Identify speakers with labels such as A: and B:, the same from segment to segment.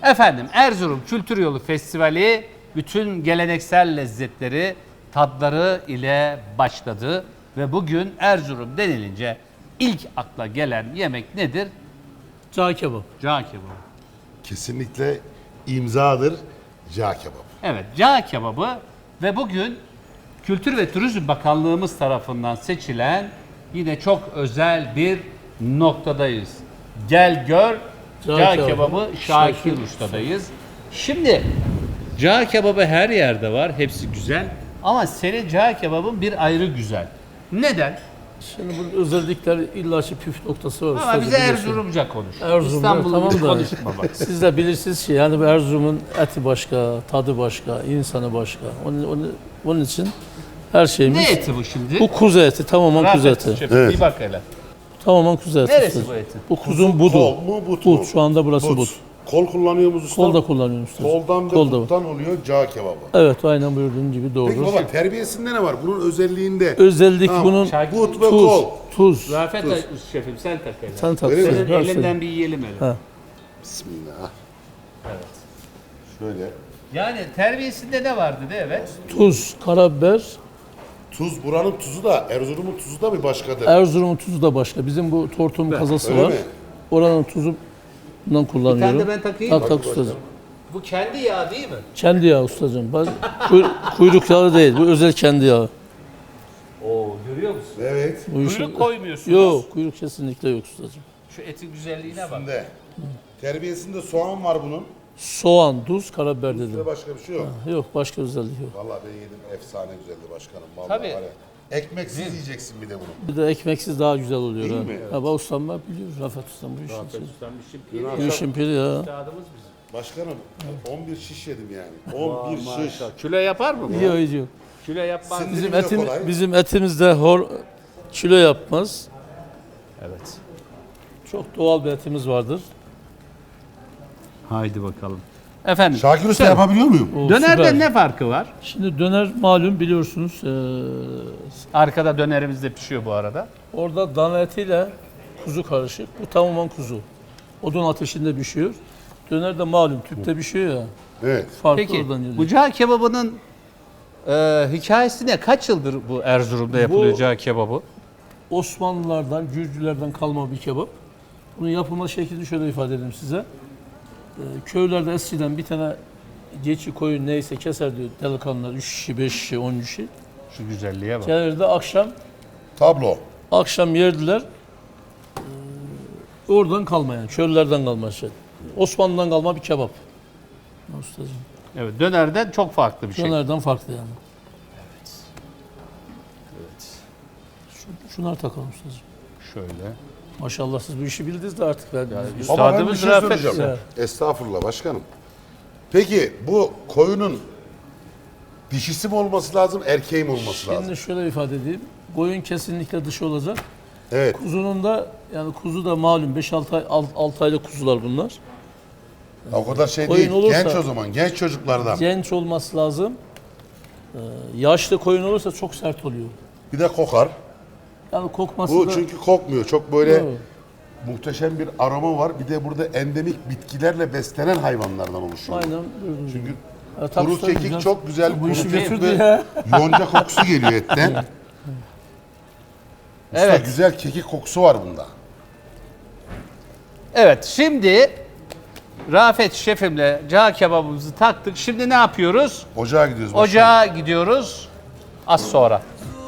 A: Efendim Erzurum Kültür Yolu Festivali bütün geleneksel lezzetleri, tadları ile başladı. Ve bugün Erzurum denilince ilk akla gelen yemek nedir?
B: Cağ kebap.
A: Cağ kebabı.
C: Kesinlikle imzadır cağ kebap.
A: Evet, cağ kebabı ve bugün Kültür ve Turizm Bakanlığımız tarafından seçilen yine çok özel bir noktadayız. Gel gör cağ kebabı Şakir Usta'dayız. Şimdi cağ kebabı her yerde var, hepsi güzel ama senin cağ kebabın bir ayrı güzel. Neden?
B: Şimdi bunun özellikleri illaki püf noktası var.
A: Ama
B: Ustacığım,
A: bize
B: biliyorsun.
A: Erzurumca konuş.
B: Erzurumca,
A: İstanbul'u
B: tamam da.
A: konuşma bak.
B: Siz de bilirsiniz ki yani bu Erzurum'un eti başka, tadı başka, insanı başka. Onun için her şeyimiz...
A: Ne eti bu şimdi?
B: Bu kuzu eti, tamamen kuzu
A: Rafet
B: eti.
A: Şefim,
C: Evet.
A: bir bak hele.
B: Tamamen kuzu eti.
A: Neresi
B: ustacığım.
A: bu etin?
B: Bu kuzun budu.
C: Kol mu but mu?
B: But, şu anda burası but.
C: Kol kullanıyor musun usta?
B: Kol da kullanıyorum ustacığım.
C: Koldan ve
B: Kol da var.
C: buttan oluyor cağ kebabı.
B: Evet, aynen buyurduğun gibi doğru.
C: Peki baba terbiyesinde ne var? Bunun özelliğinde.
B: Özellik
C: Tamam.
B: bunun
A: Şakir-
C: But ve
B: tuz.
C: kol.
B: Tuz.
A: Rafet Şefim sen tak hele.
B: Sen tat.
C: Öyle mi?
A: Senin
B: Ver
A: elinden
B: söyle.
A: bir yiyelim hele.
B: Ha.
C: Bismillah.
A: Evet.
C: Şöyle.
A: Yani terbiyesinde ne vardı de evet.
B: Tuz, karabiber.
C: Tuz buranın tuzu da Erzurum'un tuzu da bir başkadır.
B: Erzurum'un tuzu da başka. Bizim bu tortum kazası
C: Öyle
B: var.
C: mi?
B: Oranın tuzundan kullanıyorum.
A: Bir tane de ben takayım.
B: Tak tak ustacığım.
A: Bu kendi yağ değil mi?
B: Kendi yağı ustacığım. Kuyruk yağı değil. Bu özel kendi yağı.
A: Oo görüyor musun?
C: Evet.
B: Bu işin-
A: Kuyruk koymuyorsunuz.
B: Yok, kuyruk kesinlikle yok ustacığım.
A: Şu etin güzelliğine bak.
C: Üstünde. Terbiyesinde soğan var bunun.
B: Soğan, tuz, karabiber dedim.
C: Ve başka bir şey yok.
B: Yok, başka özellik yok.
C: Vallahi ben yedim. Efsane güzeldi başkanım. Vallahi
A: Tabii.
C: var ya. Ekmeksiz yiyeceksin bir de bunu.
B: Bir de ekmeksiz daha güzel oluyor.
C: Değil
B: ha.
C: mi?
B: Ha, bak ustam ben biliyorum. Rafet ustam bu işin.
A: Ustam bir şey
B: Bu işin piri ya.
A: Üstadımız bizim.
C: Başkanım 11 şiş yedim yani. 11 şiş.
A: Kilo yapar mı bu?
B: Yok, yok.
A: Kilo yapmaz.
C: Sindirim
B: Bizim
C: de kolay.
B: bizim etimizde kilo yapmaz.
A: Evet.
B: Çok doğal bir etimiz vardır.
A: Haydi bakalım. Efendim.
C: Şakir Usta
A: Güzel.
C: yapabiliyor muyum?
B: O
A: Dönerden
B: süper.
A: ne farkı var?
B: Şimdi döner malum biliyorsunuz.
A: Arkada dönerimiz de pişiyor bu arada.
B: Orada dana etiyle kuzu karışık. Bu tamamen kuzu. Odun ateşinde pişiyor. Döner de malum tüpte pişiyor ya.
C: Evet.
B: Farklı
A: Peki
B: oradan geliyor.
A: bu cağ kebabının hikayesi ne? Kaç yıldır bu Erzurum'da yapılıyor
B: Bu-
A: cağ kebabı?
B: Osmanlılardan, Gürcülerden kalma bir kebap. Bunun yapılma şeklini şöyle ifade edeyim size. Köylerde eskiden bir tane geçi koyun neyse keser diyor delikanlılar 3 kişi, 5 kişi, 10 kişi.
A: Şu güzelliğe bak.
B: Gelirdi
C: Tablo.
B: akşam yerdiler. Oradan kalmayan, köylülerden kalma şey. Osmanlı'dan kalma bir kebap. Ustacığım.
A: Evet, dönerden çok farklı bir şey.
B: Dönerden farklı yani. Şunlar takalım ustacığım.
A: Şöyle.
B: Maşallah siz bu işi bildiniz de artık ben.
C: Baba ben bir
A: Üstadımız
C: şey
A: Rafet.
C: söyleyeceğim. Estağfurullah başkanım. Peki bu koyunun dişisi mi olması lazım, erkeği mi olması lazım?
B: Şimdi şöyle ifade edeyim. Koyun kesinlikle dışı olacak.
C: Evet.
B: Kuzunun da yani kuzu da malum 5-6 ay 6 aylık kuzular bunlar.
C: O kadar şey
B: Koyun
C: değil.
B: olursa-
C: Genç o zaman, genç çocuklardan.
B: Genç olması lazım. Yaşlı koyun olursa çok sert oluyor.
C: Bir de kokar.
B: Yani kokması
C: Bu
B: da
C: çünkü kokmuyor. Çok böyle
B: Yok.
C: muhteşem bir aroma var. Bir de burada endemik bitkilerle beslenen hayvanlardan oluşuyor.
B: aynen gördüğünüz
C: Çünkü
B: gibi. Ya, tabii
C: kuru
B: usta
C: kekik
B: güzel.
C: çok güzel.
B: Bu
C: Kuru
B: işi
C: kekik
B: götürdü
C: ve
B: ya.
C: yonca kokusu geliyor etten. Usta
A: Evet.
C: güzel kekik kokusu var bunda.
A: Evet, şimdi Rafet şefimle cağ kebabımızı taktık. Şimdi ne yapıyoruz?
C: Ocağa gidiyoruz. başkanım.
A: Ocağa gidiyoruz. Az sonra.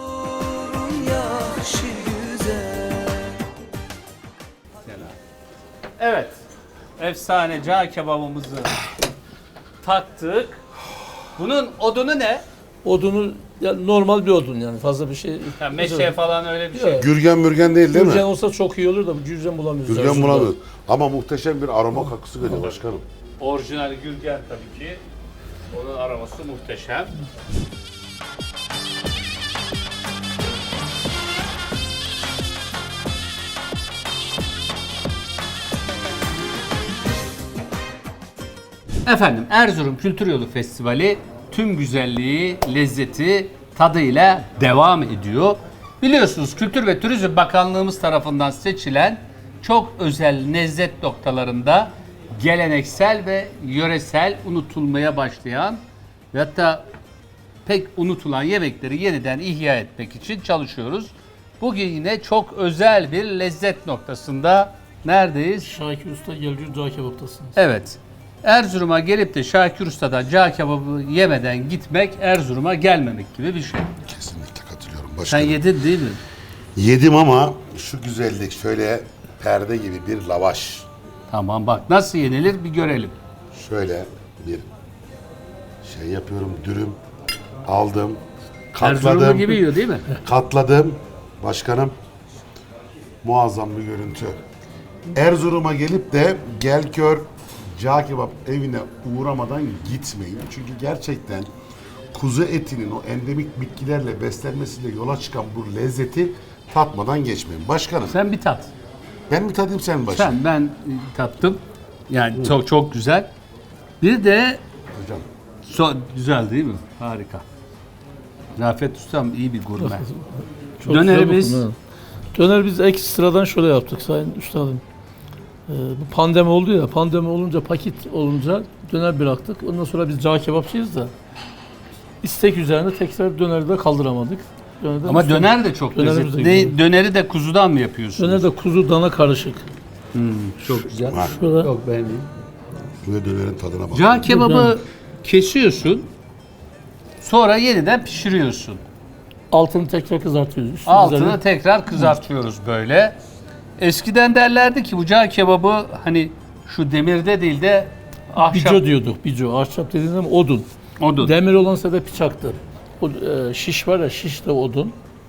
A: Evet. Efsane cağ kebabımızı taktık. Bunun odunu ne?
B: Odunu yani normal bir odun yani fazla bir şey.
A: Ha, meşe falan öyle bir şey.
B: Yok.
C: Gürgen mürgen değil mi?
B: Gürgen olsa çok iyi olur da gürgen bulamıyoruz.
C: Gürgen
B: Erzurum'da.
C: bulamıyoruz. Ama muhteşem bir aroma kokusu geliyor başkanım.
A: Orijinal Gürgen tabii ki. Onun aroması muhteşem. Efendim Erzurum Kültür Yolu Festivali tüm güzelliği, lezzeti, tadıyla devam ediyor. Biliyorsunuz Kültür ve Turizm Bakanlığımız tarafından seçilen çok özel lezzet noktalarında geleneksel ve yöresel, unutulmaya başlayan ve hatta pek unutulan yemekleri yeniden ihya etmek için çalışıyoruz. Bugün yine çok özel bir lezzet noktasında neredeyiz?
B: Şakir Usta Gelgür Cağ Kebap'tasınız.
A: Evet. Erzurum'a gelip de Şakir Usta'dan cağ kebabı yemeden gitmek Erzurum'a gelmemek gibi bir şey.
C: Kesinlikle katılıyorum
A: Sen
C: başkanım.
A: yedin değil mi?
C: Yedim ama şu güzellik şöyle perde gibi bir lavaş.
A: Tamam bak nasıl yenilir bir görelim.
C: Şöyle bir şey yapıyorum, dürüm aldım,
A: Erzurumlu
C: katladım,
A: gibi yiyor değil mi?
C: katladım. Başkanım, muazzam bir görüntü. Erzurum'a gelip de Gelkör Cağ Kebap evine uğramadan gitmeyin. Çünkü gerçekten kuzu etinin o endemik bitkilerle beslenmesiyle yola çıkan bu lezzeti tatmadan geçmeyin. Başkanım,
A: Sen bir tat.
C: ben mi tadayım sen mi başkanım?
A: Ben tattım. Yani çok çok güzel. Bir de
C: Hocam.
A: güzel değil mi? Harika. Rafet Ustam iyi bir gurme.
B: Çok
A: Dönerimiz-
B: güzel bakın, ha. Döner biz ekstradan şöyle yaptık sayın üstadım. Bu pandemi oldu ya, pandemi olunca paket olunca döner bıraktık. Ondan sonra biz cağ kebapçıyız da istek üzerine tekrar döneri de kaldıramadık. Dönerde
A: Ama döner de çok
B: Dönerimiz de
A: lezzetli.
B: güzel.
A: Döneri de kuzudan mı yapıyorsunuz?
B: Döner de kuzu dana karışık.
A: Çok güzel.
C: Var.
B: Şöyle
A: Çok beğendim.
C: Ve dönerin tadına bak.
A: Cağ kebabı kesiyorsun. Sonra yeniden pişiriyorsun.
B: altını tekrar kızartıyoruz. Üstünü
A: Altını
B: üzerine-
A: tekrar kızartıyoruz böyle. Eskiden derlerdi ki bu cağ kebabı hani şu demirde değil de ahşap
B: bico diyorduk. Bico. Ahşap dediğinde ama odun.
A: odun.
B: Demir olansa da bıçaktı. O şiş var ya, şiş de odun.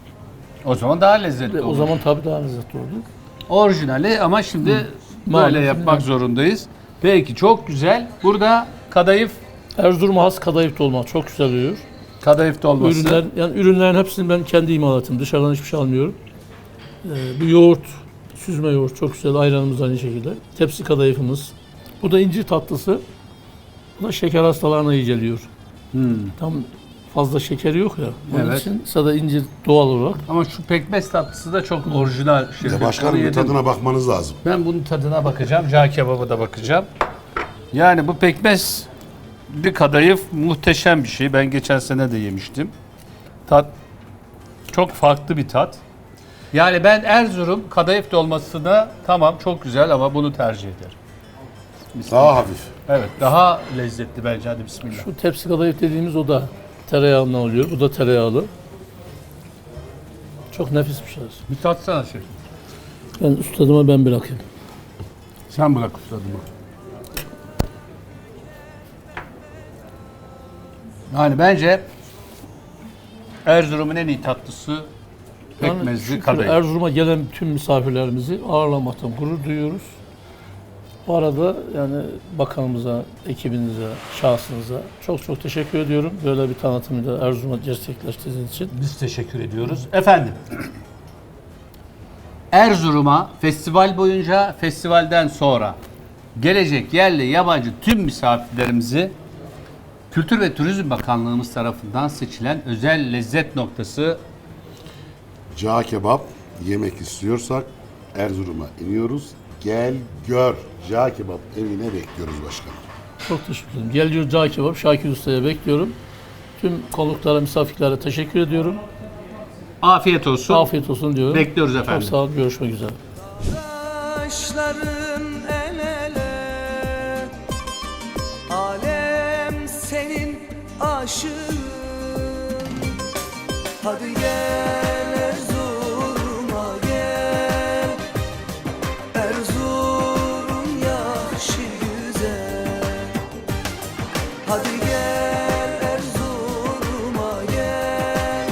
A: O zaman daha lezzetli
B: O
A: olur.
B: zaman tabii daha lezzetli oldu.
A: Orijinali ama şimdi böyle
B: Maalesef
A: yapmak
B: evet.
A: zorundayız. Peki çok güzel. Burada kadayıf
B: Erzurum'a has kadayıf dolma çok güzel oluyor.
A: kadayıf dolması.
B: Ürünlerin hepsini ben kendi imalatım. Dışarıdan hiçbir şey almıyorum. Bu yoğurt, süzme yoğurt çok güzel. Ayranımız aynı şekilde. Tepsi kadayıfımız. Bu da incir tatlısı. Bu da şeker hastalarına iyi geliyor. Tam fazla şekeri yok ya. Onun
A: Evet.
B: için sada incir doğal olarak.
A: Ama şu pekmez tatlısı da çok orijinal.
C: Bir de başkanım
A: Onu
C: bir
A: yedim.
C: tadına bakmanız lazım.
A: Ben bunun tadına bakacağım. Cağ kebabı da bakacağım. Yani bu pekmez bir kadayıf muhteşem bir şey. Ben geçen sene de yemiştim. Tat çok farklı bir tat. Yani ben Erzurum kadayıf dolmasına tamam çok güzel ama bunu tercih ederim.
C: Daha hafif.
A: Evet daha lezzetli bence. Hadi bismillah.
B: Şu tepsi kadayıf dediğimiz o da tereyağından oluyor. Bu da tereyağlı. Çok nefis bir şey.
A: Bir tatsana şef.
B: Ben ustadıma ben bırakayım.
A: Sen bırak ustadımı. Yani bence Erzurum'un en iyi tatlısı pekmezli
B: şükür
A: kadayıf.
B: Erzurum'a gelen tüm misafirlerimizi ağırlamaktan gurur duyuyoruz. Bu arada yani bakanımıza, ekibinize, şahsınıza çok çok teşekkür ediyorum. Böyle bir tanıtımı da Erzurum'a gerçekleştirdiğiniz için.
A: Biz teşekkür ediyoruz. Efendim, Erzurum'a festival boyunca, festivalden sonra gelecek yerli yabancı tüm misafirlerimizi Kültür ve Turizm Bakanlığımız tarafından seçilen özel lezzet noktası
C: Cağ kebap yemek istiyorsak Erzurum'a iniyoruz. Gel gör. Cağ kebap evine bekliyoruz başkanım.
B: Çok teşekkür ederim. Geliyor Cağ Kebap, Şakir Usta'ya bekliyorum. Tüm konuklara, misafirlere teşekkür ediyorum.
A: afiyet olsun.
B: Afiyet olsun diyorum.
A: Bekliyoruz
B: Çok
A: efendim.
B: sağ olun, görüşmek üzere.
D: Taşların el ele, alem senin aşığın. Hadi gel Erzurum'a gel, Erzurum yaşı güzel. Hadi gel Erzurum'a gel,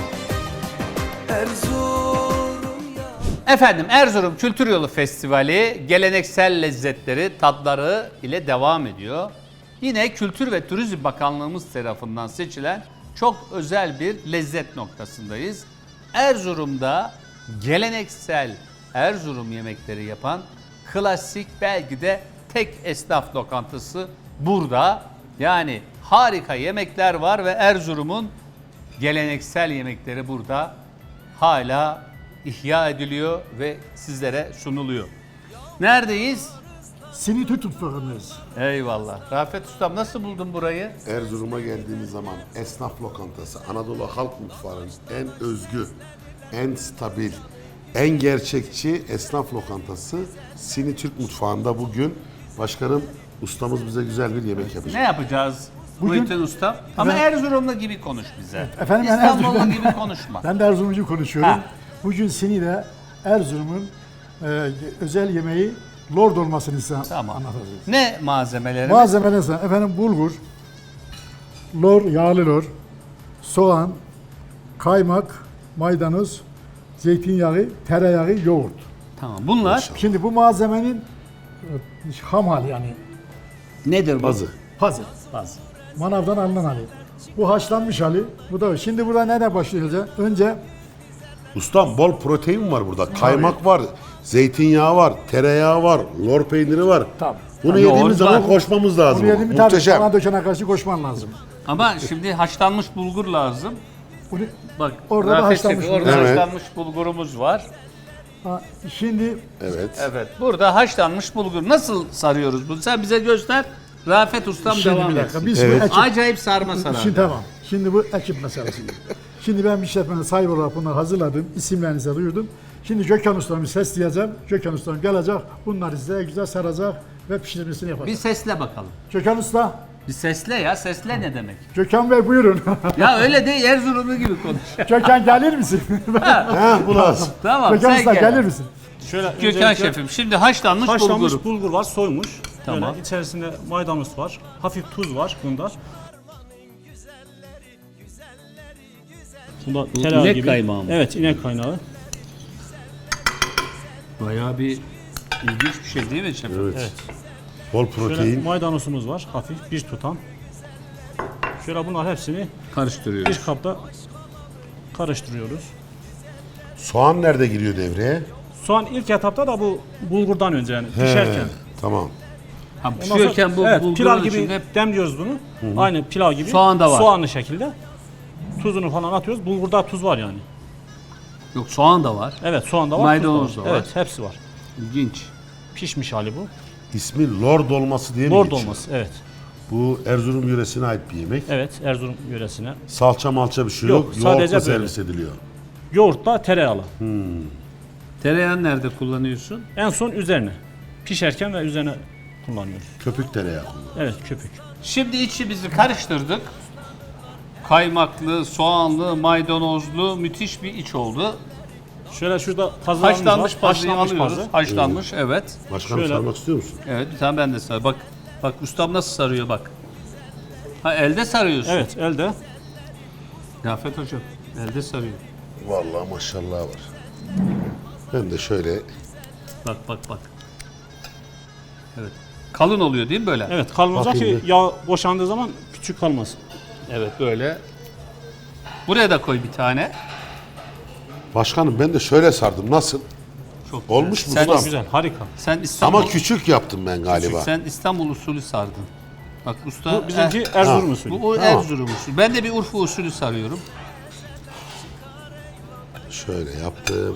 D: Erzurum yaşı.
A: Efendim Erzurum Kültür Yolu Festivali geleneksel lezzetleri, tatları ile devam ediyor. Yine Kültür ve Turizm Bakanlığımız tarafından seçilen çok özel bir lezzet noktasındayız. Erzurum'da geleneksel Erzurum yemekleri yapan klasik belki de tek esnaf lokantası burada. Yani harika yemekler var ve Erzurum'un geleneksel yemekleri burada hala ihya ediliyor ve sizlere sunuluyor. Neredeyiz?
E: Sini Türk mutfağındayız.
A: Eyvallah. Rafet Ustam nasıl buldun burayı?
C: Erzurum'a geldiğimiz zaman esnaf lokantası, Anadolu halk mutfağının en özgü, en stabil, en gerçekçi esnaf lokantası Sini Türk mutfağında bugün başkanım ustamız bize güzel bir yemek yapacak.
A: Ne yapacağız?
E: Bugün-
A: Muhittin Usta. Ama Erzurumlu gibi konuş bize.
E: Efendim ben
A: İstanbullu
E: Erzurum'dan-
A: gibi konuşma.
E: Ben de Erzurumcu konuşuyorum.
A: Ha.
E: Bugün Sini'de Erzurum'un özel yemeği lord olmasını size
A: Tamam.
E: anlatacağız.
A: Ne malzemeleri?
E: Malzemeler ise efendim bulgur, lor, yağlı lor, soğan, kaymak, maydanoz, zeytinyağı, tereyağı, yoğurt.
A: Tamam. Bunlar
E: Şimdi bu malzemenin ham hali yani
A: nedir bu?
C: Bazı.
E: hazır. Manavdan alınan hali. Bu haşlanmış hali. Bu da. Şimdi burada nereden başlayacağız? Önce
C: Ustam bol protein var burada. Kaymak var, zeytinyağı var, tereyağı var, lor peyniri var.
E: Tamam.
C: Bunu
A: Yoğurt
C: yediğimiz zaman
A: var.
C: koşmamız lazım.
E: bunu yedim bir tane
C: Muhteşem.
E: bana dökene karşı koşman lazım.
A: Ama şimdi haşlanmış bulgur lazım.
E: Bunu,
A: Bak
E: Orada da
A: Rafet
E: haşlanmış
A: Şefim, orada
C: bulgur. Evet.
A: haşlanmış bulgurumuz var.
E: şimdi
C: Evet.
A: Evet. Burada haşlanmış bulgur. Nasıl sarıyoruz bunu? Sen bize göster. Rafet Ustam
E: şimdi
A: devam
E: bir dakika.
A: etsin.
E: Biz
C: Evet.
E: bu ekip,
A: Acayip sarma sarar.
E: şimdi tamam. Şimdi bu ekip meselesi. Şimdi ben bir işletmenin sahibi olarak bunları hazırladım. İsimlerinizi duyurdum. Şimdi Gökhan Usta'mı sesleyeceğim. Gökhan Usta'm gelecek. Bunları size güzel saracak ve pişirmesini yapacak.
A: Bir sesle bakalım.
E: Gökhan Usta,
A: Bir sesle ya. Sesle ne demek?
E: Gökhan Bey buyurun.
A: Ya öyle değil. Erzurumlu gibi konuş.
E: Gökhan gelir misin?
C: Ha, bu lazım.
A: Tamam
E: Gökhan
A: sen
E: Usta
A: gel.
E: gelir misin?
F: Şöyle
A: Gökhan
F: öncelikle
A: Şefim şimdi haşlanmış,
F: haşlanmış
A: bulgur.
F: bulgur var, soymuş.
A: Tamam.
F: Böyle içerisinde maydanoz var, hafif tuz var bunda. Bunda tereyağı
A: inek
F: gibi.
A: kaymağı mı?
F: Evet, inek kaynağı.
A: Bayağı bir ilginç bir şey değil mi şefim?
C: Evet. Bol
F: Şöyle
C: protein.
F: maydanozumuz var, hafif bir tutam. Şöyle bunlar hepsini
A: Karıştırıyoruz.
F: bir kapta karıştırıyoruz.
C: Soğan nerede giriyor devreye?
F: Soğan ilk etapta da bu bulgurdan önce yani pişerken.
C: Tamam.
A: Ha,
F: Ondan sonra-
A: pişiyorken bu
F: evet,
A: bulgurun
F: pilav gibi
A: içinde
F: demliyoruz bunu. Aynı pilav gibi.
A: Soğan da var.
F: Soğanlı şekilde. Tuzunu falan atıyoruz. Bulgurda tuz var yani.
A: yok soğan da var.
F: Evet, soğan da var,
A: Maydanoz
F: tuz
A: da
F: var.
A: var.
F: Evet, hepsi var.
A: İlginç.
F: Pişmiş hali bu.
C: İsmi lor dolması diye mi
F: Lor
C: geçiyor?
F: dolması, evet.
C: Bu Erzurum yöresine ait bir yemek.
F: Evet, Erzurum yöresine.
C: Salça malça bir şey
F: Yok,
C: yok.
F: sadece
C: Yoğurtla
F: böyle.
C: servis ediliyor.
F: Yoğurtla tereyağlı.
A: Tereyağını nerede kullanıyorsun?
F: En son üzerine. Pişerken ve üzerine kullanıyoruz.
C: Köpük tereyağı kullanıyor.
F: Evet, köpük.
A: Şimdi içimizi karıştırdık. Kaymaklı, soğanlı, maydanozlu müthiş bir iç oldu.
F: Şöyle şurada pazarımız
A: Haşlanmış
F: var.
A: pazıyı alıyoruz.
F: pazı.
A: Haşlanmış evet.
C: Başkanım
F: Şöyle.
C: sarmak istiyor musun?
A: Evet bir tane ben de sar. Bak ustam nasıl sarıyor bak. Ha elde sarıyorsun.
F: Evet, elde.
A: Rafet hocam elde sarıyor.
C: Vallahi maşallah var. Ben de şöyle
A: Bak. Evet. Kalın oluyor değil mi böyle?
F: Evet, kalın olacak ki
C: Bakayım bir.
F: yağ boşandığı zaman küçük kalmasın.
A: Evet böyle. Buraya da koy bir tane.
C: başkanım ben de şöyle sardım. Nasıl?
A: Çok güzel.
C: Olmuş mu
A: Sen,
C: ustam?
F: Güzel, harika.
A: sen İstanbul,
C: Ama küçük yaptım ben galiba.
A: Sen İstanbul usulü sardın. Bak usta.
F: Bu bizimki Erzurum usulü.
A: Bu o Erzurum usulü. Ben de bir Urfa usulü sarıyorum.
C: Şöyle yaptım.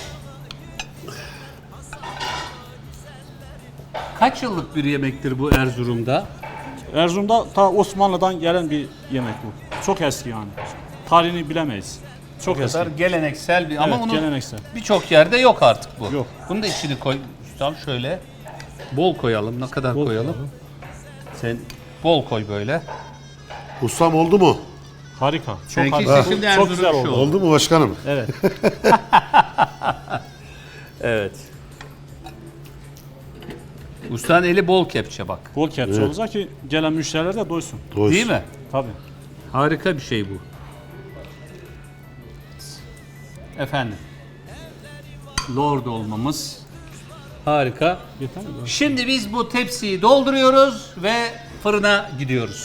A: Kaç yıllık bir yemektir bu Erzurum'da?
F: Erzurum'da ta Osmanlı'dan gelen bir yemek bu. Çok eski yani. Tarihini bilemeyiz. Çok eski.
A: Kadar geleneksel bir ama
F: Evet,
A: onun
F: geleneksel.
A: birçok yerde yok artık bu.
F: Yok.
A: Bunu da içini koy ustam şöyle. Bol koyalım. Ne kadar
F: Bol
A: koyalım?
F: koyalım.
A: Sen bol koy böyle.
C: Ustam oldu mu?
F: Harika. Çok
A: Seninki
F: harika.
A: şimdi
F: Çok
A: Erzurum
F: güzel
A: işi
F: oldu.
A: oldu.
C: Oldu mu başkanım?
F: Evet.
A: Evet. Ustanın eli bol kepçe bak.
F: Bol kepçe olacak ki gelen müşteriler de doysun.
C: Doysun.
A: Değil mi?
F: Tabii.
A: Harika bir şey bu. Efendim. Lord olmamız harika.
F: Yeter mi?
A: Şimdi biz bu tepsiyi dolduruyoruz ve fırına gidiyoruz.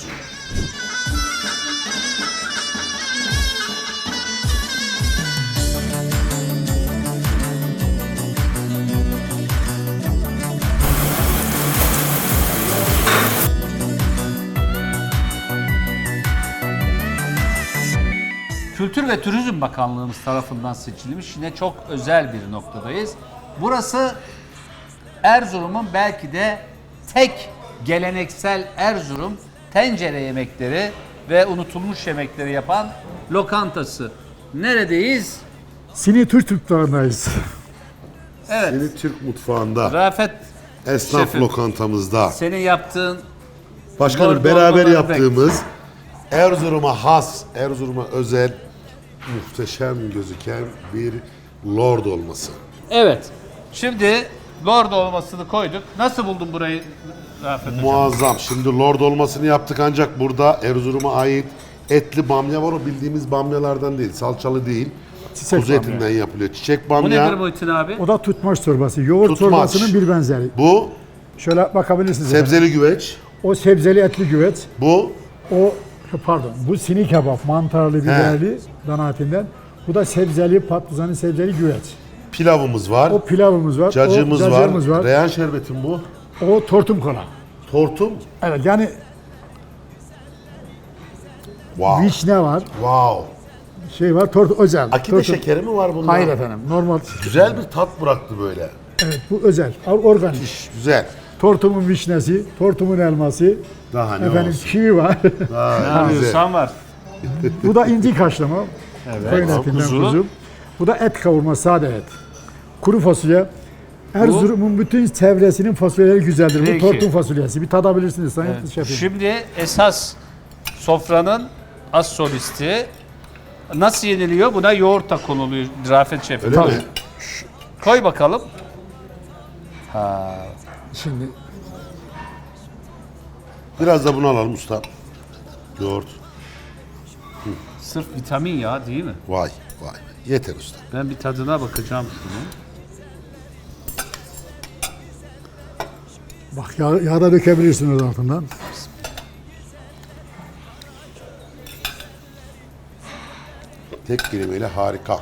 A: Kültür ve Turizm Bakanlığımız tarafından seçilmiş yine çok özel bir noktadayız. Burası Erzurum'un belki de tek geleneksel Erzurum tencere yemekleri ve unutulmuş yemekleri yapan lokantası. Neredeyiz?
E: Sini Türk mutfağındayız.
A: Evet.
C: Seni Türk mutfağında,
A: Rafet
C: esnaf
A: şefim,
C: lokantamızda.
A: senin yaptığın
C: Başkanım
A: Lord
C: beraber
A: olmaları
C: yaptığımız Erzurum'a has, Erzurum'a özel muhteşem gözüken bir lord olması.
A: evet. Şimdi lord olmasını koyduk. Nasıl buldun burayı Rafet Hocam?
C: Muazzam. Şimdi lord olmasını yaptık ancak burada Erzurum'a ait etli bamya var. O bildiğimiz bamyalardan değil, salçalı değil.
E: Çiçek
C: Kuzu
E: bamya.
C: etinden yapılıyor. Çiçek
A: Bu nedir
C: bamya.
A: Muhittin abi?
E: O da tutmaç çorbası. Yoğurt
C: Tutmaç.
E: çorbasının bir benzeri.
C: Bu
E: Şöyle bakabilirsiniz. efendim.
C: sebzeli güveç.
E: O sebzeli etli güveç.
C: Bu
E: O pardon. Bu sini kebap. Mantarlı, biberli dana etinden. Bu da sebzeli, patlıcanlı sebzeli güveç.
C: pilavımız var.
E: O pilavımız var.
C: Cacığımız
E: o
C: var.
E: cacığımız var.
C: Reyhan şerbetim bu.
E: O tortum kola.
C: Tortum.
E: Evet yani
C: Wow.
E: vişne var.
C: Wow.
E: Şey var. Özel.
C: Akide
E: Tortum-
C: şekeri mi var bunda?
E: Hayır efendim. Normal.
C: Güzel bir tat bıraktı böyle.
E: Evet bu özel. Organik.
C: Güzel.
E: Tortumun vişnesi, tortumun elması.
C: Daha ne
E: Efendim
C: olsun.
E: kivi var.
C: Daha güzel.
A: Arıyorsan var.
E: Bu da inci kaşlama. Koyun etinden
A: kuzu.
E: kuzu. Bu da et kavurma, sade et. Kuru fasulye. Erzurum'un bütün çevresinin fasulyeleri güzeldir.
A: Peki.
E: Bu tortum fasulyesi. Bir tadabilirsiniz sayın şefim.
A: Şimdi esas sofranın as solisti nasıl yeniliyor? Buna yoğurt da konuluyor Rafet Şef'im.
C: Öyle mi?
A: Koy bakalım.
E: Şimdi
C: Biraz da bunu alalım usta. Yoğurt.
A: Sırf vitamin ya değil mi?
C: Vay vay. Yeter usta.
A: Ben bir tadına bakacağım şunu.
E: bak yağ da dökebilirsiniz altından.
C: Tek kelimeyle harika.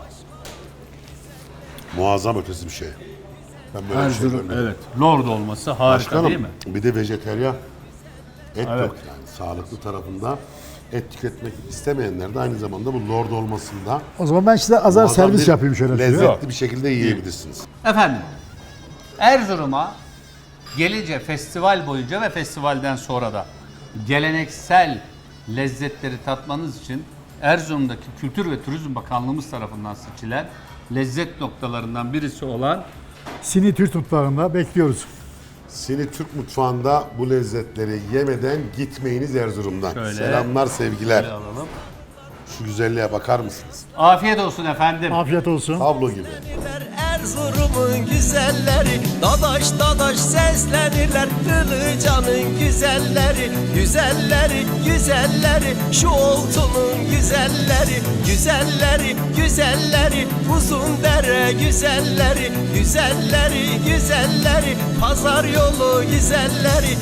C: Muazzam ötesi bir şey. Ben böyle bir şey görmedim.
A: Evet. Lord olması harika
C: Başkanım,
A: değil mi?
C: bir de vejeteryan et
A: Evet.
C: yok yani. Sağlıklı tarafında et tüketmek istemeyenler de aynı zamanda bu lord olmasında
E: O zaman ben size azar
C: muazzam
E: servis
C: bir
E: yapayım şöyle size.
C: lezzetli bir şekilde yiyebilirsiniz.
A: Efendim, Erzurum'a gelince festival boyunca ve festivalden sonra da geleneksel lezzetleri tatmanız için Erzurum'daki Kültür ve Turizm Bakanlığımız tarafından seçilen lezzet noktalarından birisi olan
E: Sini Türk mutfağında bekliyoruz.
C: Seni Türk mutfağında bu lezzetleri yemeden gitmeyiniz Erzurum'dan.
A: Şöyle.
C: Selamlar, sevgiler.
A: alalım.
C: Şu güzelliğe bakar mısınız?
A: Afiyet olsun efendim.
E: Afiyet olsun.
C: Tablo gibi.
D: Erzurum'un güzelleri dadaş dadaş seslenirler. Ilıcan'ın güzelleri, güzelleri, güzelleri. Şu oltunun güzelleri, güzelleri, güzelleri. Uzun dere güzelleri, güzelleri, güzelleri. Pazar yolu güzelleri.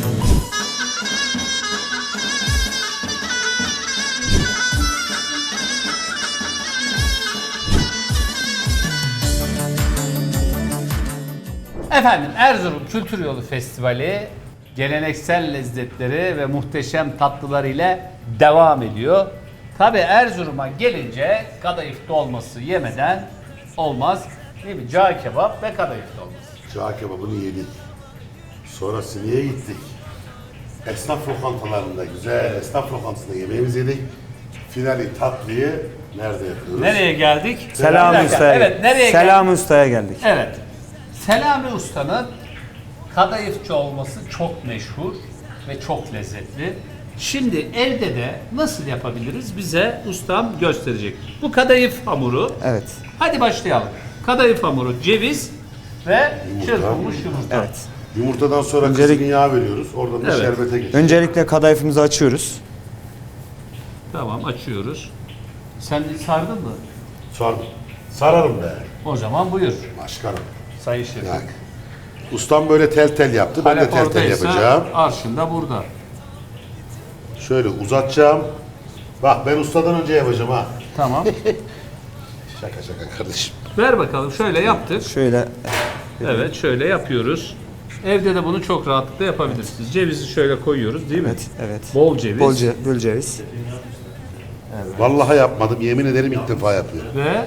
A: Efendim Erzurum Kültür Yolu Festivali geleneksel lezzetleri ve muhteşem tatlılar ile devam ediyor. Tabi Erzurum'a gelince kadayıf dolması yemeden olmaz. Değil mi? Cağ kebap ve kadayıf dolması.
C: Cağ kebabını yedik. Sonra Sini'ye gittik. Esnaf lokantalarında, güzel esnaf lokantasında yemeğimizi yedik. Finali tatlıyı nerede yapıyoruz?
A: Nereye geldik? Bir
G: Selami
A: dakika.
G: Usta'ya
A: Evet, nereye
G: Selami Usta'ya geldik.
A: Evet. Selami Usta'nın kadayıfçı olması çok meşhur ve çok lezzetli. Şimdi elde de nasıl yapabiliriz bize ustam gösterecek. Bu kadayıf hamuru.
G: Evet.
A: Hadi başlayalım. Kadayıf hamuru, ceviz ve çırpılmış yumurta.
G: Evet.
C: Yumurtadan sonra
G: Öncelik-
C: kızgın yağ veriyoruz. Oradan da
A: Evet.
C: şerbete geçiyoruz.
G: Öncelikle kadayıfımızı açıyoruz.
A: Tamam, açıyoruz. Sen sardın mı?
C: Sardım. Sararım be.
A: O zaman buyur
C: Başkanım.
A: sayın şefim.
C: Yani. Ustam böyle tel tel yaptı. Ben de
A: Halep
C: tel tel
A: oradaysa
C: yapacağım.
A: arşın da burada.
C: Şöyle uzatacağım. Bak ben ustadan önce yapacağım ha.
A: Tamam.
C: Şaka şaka kardeşim.
A: Ver bakalım. Şöyle yaptık.
G: Şöyle
A: Evet, şöyle yapıyoruz. Evde de bunu çok rahatlıkla yapabilirsiniz. Cevizi şöyle koyuyoruz değil mi?
G: evet, evet.
A: Bol ceviz.
G: Bol ceviz.
C: Vallahi yapmadım. Yemin ederim ilk defa yapıyorum.
A: Ve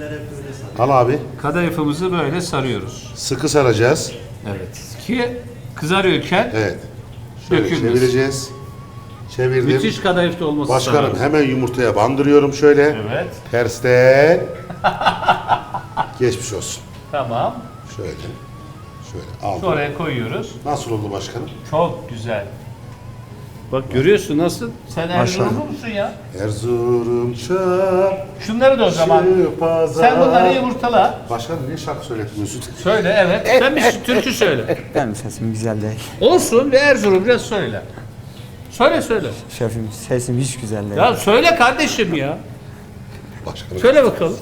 C: Al abi.
A: kadayıfımızı böyle sarıyoruz.
C: Sıkı saracağız.
A: Evet. Ki kızarıyorken
C: Evet. Şöyle
A: dökülmüş.
C: çevireceğiz. Çevirdim.
A: Müthiş kadayıf dolması.
C: Başkanım
A: sanırım.
C: hemen yumurtaya bandırıyorum şöyle.
A: Evet.
C: Tersten. Geçmiş olsun.
A: Tamam.
C: Şöyle. Şöyle aldım.
A: Oraya koyuyoruz.
C: Nasıl oldu başkanım?
A: Çok güzel. Bak görüyorsun nasıl? Sen Erzurumlu musun ya?
C: Erzurum çarşı
A: Şunları da o zaman.
C: pazar.
A: Sen bunları yumurtala.
C: Başkanım niye şarkı söyletmiyorsun?
A: Söyle evet. Sen bir türkü söyle.
G: Benim sesim güzel değil.
A: Olsun ve Erzurumca söyle. Söyle.
G: Şefim sesim hiç güzel değil.
A: Ya söyle kardeşim ya.
C: Başkanım.
A: Söyle bakalım.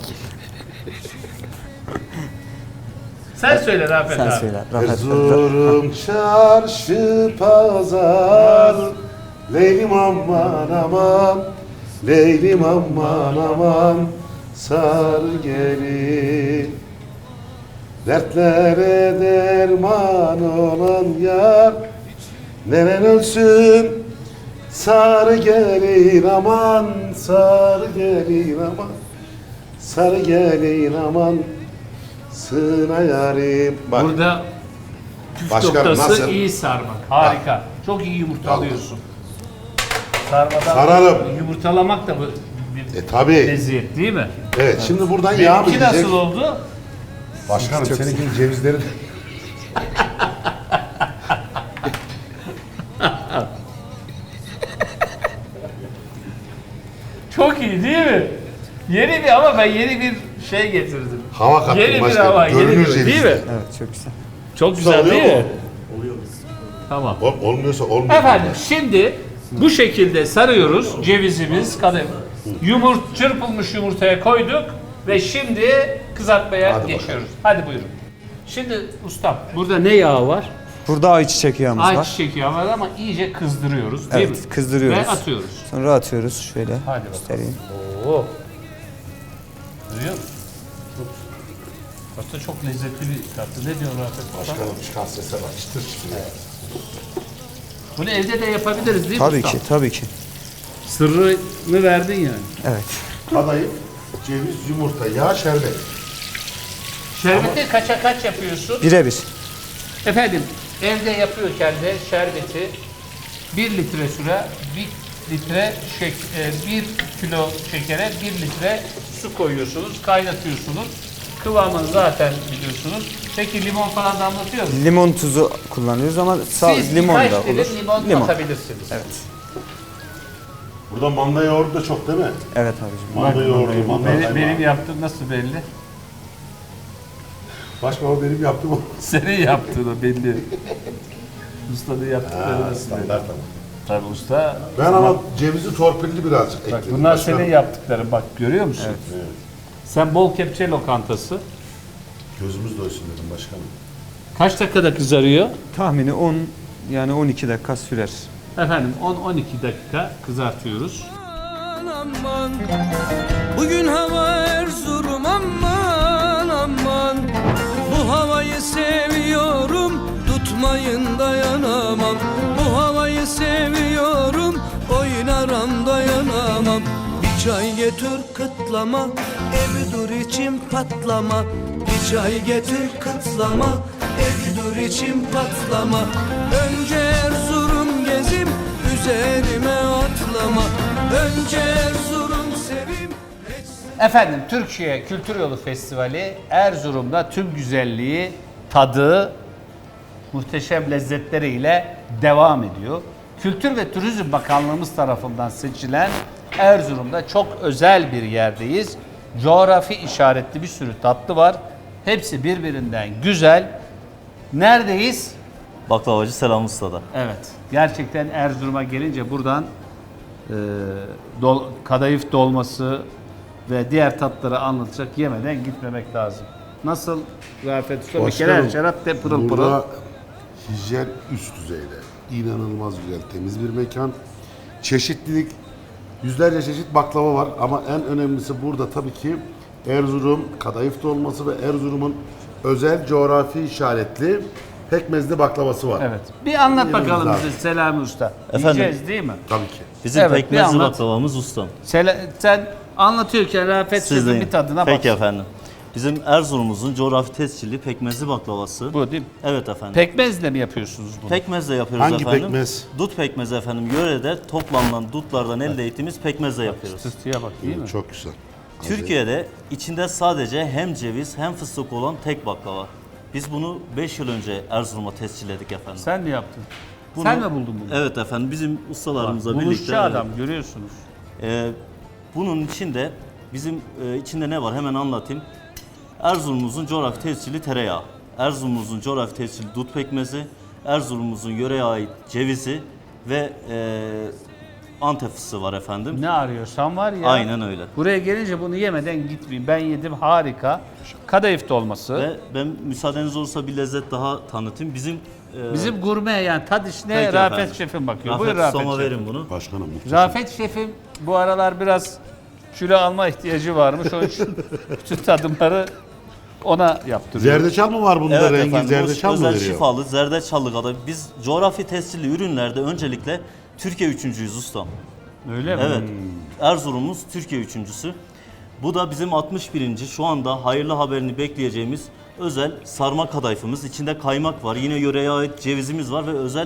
A: Sen söyle Rafet
G: Sen
A: abi.
G: söyle. Rahat.
C: Erzurum çarşı pazar. Leylim aman aman. Leylim aman aman. Sar gelin. Dertlere derman olan yar. Neren ölsün. Sar gelin aman. Sar gelin aman. Sar gelin aman. Sığına yarim. Bak.
A: Burada püf
C: Başkanım,
A: noktası
C: nasıl?
A: iyi sarmak. Harika. Çok iyi yumurtalıyorsun. Sarmadan
C: Sararım.
A: yumurtalamak da bu bir
C: Tabii.
A: lezzet değil mi?
C: Evet, şimdi buradan yağ mı
A: Benimki
C: gidecek?
A: nasıl oldu?
C: Başkanım seninkinin cevizleri de...
A: Çok iyi değil mi? Yeni bir ama ben yeni bir şey getirdim.
C: Hava kattım
A: Yeni bir
C: başkanım.
A: hava, yeni
C: Görünür
A: bir
C: cevizli.
A: değil mi?
G: Evet çok güzel.
A: Çok güzel
C: Oluyor
A: değil mi?
C: mu?
A: Tamam.
C: Olmuyorsa olmuyor.
A: Efendim şimdi bu şekilde sarıyoruz cevizimiz, kadayıf. Çırpılmış yumurtaya koyduk ve şimdi kızartmaya
C: Hadi
A: geçiyoruz. Hadi buyurun. Şimdi ustam burada ne yağı var?
G: Burada ayçiçek yağımız var.
A: Ayçiçek yağı var ama iyice kızdırıyoruz değil mi?
G: Evet, kızdırıyoruz.
A: Ve atıyoruz.
G: Sonra atıyoruz şöyle.
A: Hadi bakalım.
G: Göstereyim.
A: Oo. Duyuyor musun? Aslında çok lezzetli bir tatlı. Ne diyor Rafet Usta?
C: Başkanım çıkan sese bak. Çıtır çıtır.
A: Bunu evde de yapabiliriz değil mi
G: Tabii
A: ustam?
G: ki, tabii ki.
A: Sırrını verdin yani.
G: Evet.
C: Kadayıf, ceviz, yumurta, yağ, şerbet.
A: Şerbeti kaça kaç yapıyorsun?
G: Birebir.
A: Efendim evde yapıyorken de şerbeti 1 litre süre 1 litre 1 kilo şekere 1 litre su koyuyorsunuz, kaynatıyorsunuz. Kıvamını zaten biliyorsunuz. Peki limon falan damlatıyor musunuz?
G: Limon tuzu kullanıyoruz ama
A: Siz
G: limon
A: birkaç
G: da
A: dilim
G: olur.
A: limon atabilirsiniz.
G: Evet.
C: Burada manda yoğurdu da çok değil mi?
G: Evet abicim.
C: Manda yoğurdu, manda
A: Benim
C: kaymağı.
A: yaptığım nasıl belli?
C: Başkanım benim yaptığım o.
A: Senin yaptığın o belli. Ustanın yaptıkları nasıl belli?
C: Standart ama.
A: Tabii usta.
C: Ben ama cevizi torpilli birazcık
A: Bak
C: ekledim.
A: bunlar
C: başkanım.
A: senin yaptıkların bak görüyor musun?
C: Evet.
A: Sen bol kepçe lokantası.
C: Gözümüz doysun dedim başkanım.
A: Kaç dakikada kızarıyor?
G: Tahmini 10 yani 12 dakika sürer.
A: Efendim 10-12 dakika kızartıyoruz.
D: Aman bugün hava Erzurum aman aman bu havayı seviyorum tutmayın dayanamam bu havayı seviyorum oynaram dayanamam bir çay getir kıtlama evi dur içim patlama bir çay getir kıtlama evi dur içim patlama önce Erzurum gezim üzerime atlama önce Erzurum sevim.
A: Efendim Türkiye Kültür Yolu Festivali Erzurum'da tüm güzelliği, tadı, muhteşem lezzetleriyle devam ediyor. Kültür ve Turizm Bakanlığımız tarafından seçilen Erzurum'da çok özel bir yerdeyiz. Coğrafi işaretli bir sürü tatlı var. Hepsi birbirinden güzel. Neredeyiz?
H: Baklavacı Selam Usta'da.
A: Evet. Gerçekten Erzurum'a gelince buradan kadayıf dolması ve diğer tatları anlatacak yemeden gitmemek lazım. Nasıl Rafet Usta? Bir kere her şarap de pırıl pırıl.
C: Burada hijyen üst düzeyde. İnanılmaz güzel, temiz bir mekan. Çeşitlilik, yüzlerce çeşit baklava var ama en önemlisi burada tabii ki Erzurum kadayıf dolması ve Erzurum'un özel coğrafi işaretli pekmezli baklavası var.
A: Evet. Bir anlat
C: Yememiz
A: bakalım
C: lazım.
A: bize Selami Usta.
H: Efendim?
A: Yiyeceğiz değil mi?
C: Tabii ki.
H: Bizim
A: Evet, bir
H: pekmezli
A: anlat.
H: baklavamız ustam.
A: Sen anlatıyorken Rafet
H: Siz
A: Şef'in
H: deyin.
A: bir tadına bak.
H: Peki efendim. Bizim Erzurum'umuzun coğrafi tescilli pekmezli baklavası.
A: Bu değil mi?
H: Evet efendim.
A: Pekmezle mi yapıyorsunuz bunu?
H: Pekmezle yapıyoruz
C: Hangi
H: efendim.
C: pekmez?
H: Dut pekmezi efendim. Yörede toplanılan dutlardan elde ettiğimiz pekmezle yapıyoruz.
A: Sıstıya bak değil mi?
C: Çok güzel.
H: Türkiye'de içinde sadece hem ceviz hem fıstık olan tek baklava. Biz bunu 5 yıl önce Erzurum'a tescilledik efendim.
A: Sen mi yaptın?
H: Bunu-
A: Sen mi buldun bunu?
H: Evet efendim, bizim ustalarımızla birlikte.
A: Buluşçu adam görüyorsunuz.
H: Bunun içinde bizim içinde ne var hemen anlatayım. Erzurum'umuzun coğrafi tescilli tereyağı, Erzurum'umuzun coğrafi tescilli dut pekmezi, Erzurum'umuzun yöreye ait cevizi ve Antep fıstığı var efendim.
A: Ne arıyorsan var ya.
H: Aynen öyle.
A: Buraya gelince bunu yemeden gitmeyin. Ben yedim, harika. Kadayıf dolması.
H: Ve ben müsaadeniz olursa bir lezzet daha tanıtayım.
A: Bizim gurme yani tad işine
H: Peki
A: Rafet
H: efendim.
A: Şef'im bakıyor.
H: Rafet
A: Buyur Rafet
H: Usta'ma
A: Şef'im.
H: verin bunu.
C: Başkanım muhteşem.
A: Rafet Şef'im bu aralar biraz kilo alma ihtiyacı varmış. Onun için bütün tadımları ona yaptırıyor.
C: Zerdeçal mı var bunda?
H: Evet
C: Rengi
H: efendim,
C: zerdeçal
H: bu
C: mı
H: özel
C: veriyor?
H: şifalı zerdeçallı kadar. Biz coğrafi tescilli ürünlerde öncelikle Türkiye üçüncüyüz ustam.
A: Öyle mi?
H: Evet. Erzurum'umuz Türkiye üçüncüsü. Bu da bizim 61. şu anda hayırlı haberini bekleyeceğimiz özel sarma kadayıfımız. İçinde kaymak var. Yine yöreye ait cevizimiz var ve özel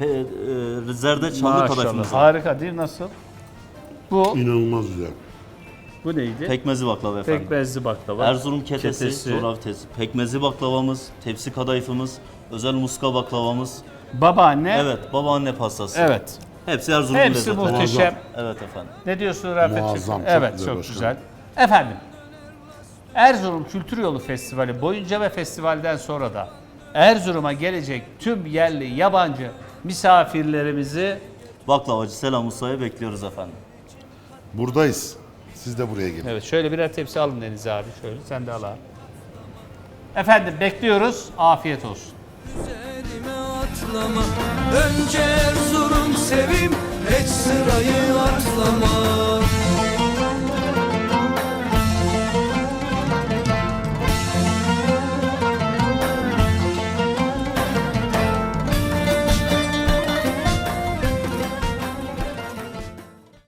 H: zerdeçallı kadayıfımız var.
A: Harika değil mi? Nasıl? Bu
C: İnanılmaz güzel.
A: bu neydi?
H: Pekmezi baklava efendim.
A: Pekmezli baklava.
H: Erzurum ketesi,
A: Ketesi.
H: coğrafi tescilli. Pekmezi baklavamız, tepsi kadayıfımız, özel muska baklavamız.
A: Babaanne.
H: Evet, babaanne pastası.
A: Evet.
H: Hepsi Erzurum'un
A: Hepsi
H: lezzeti.
A: muhteşem.
H: Evet efendim.
A: Ne diyorsun Rafet
C: Muazzam,
A: Şef'im?
C: çok
A: Evet,
C: güzel
A: çok
C: başkanım.
A: güzel. Efendim, Erzurum Kültür Yolu Festivali boyunca ve festivalden sonra da Erzurum'a gelecek tüm yerli, yabancı misafirlerimizi
H: Baklavacı Selam Usta'ya bekliyoruz efendim.
C: Buradayız. Siz de buraya gelin.
A: evet şöyle birer tepsi alın Deniz abi şöyle sen de al abi. Efendim bekliyoruz. Afiyet olsun.
D: Üzerime atlama. Önce Erzurum sevim, hiç sırayı atlama.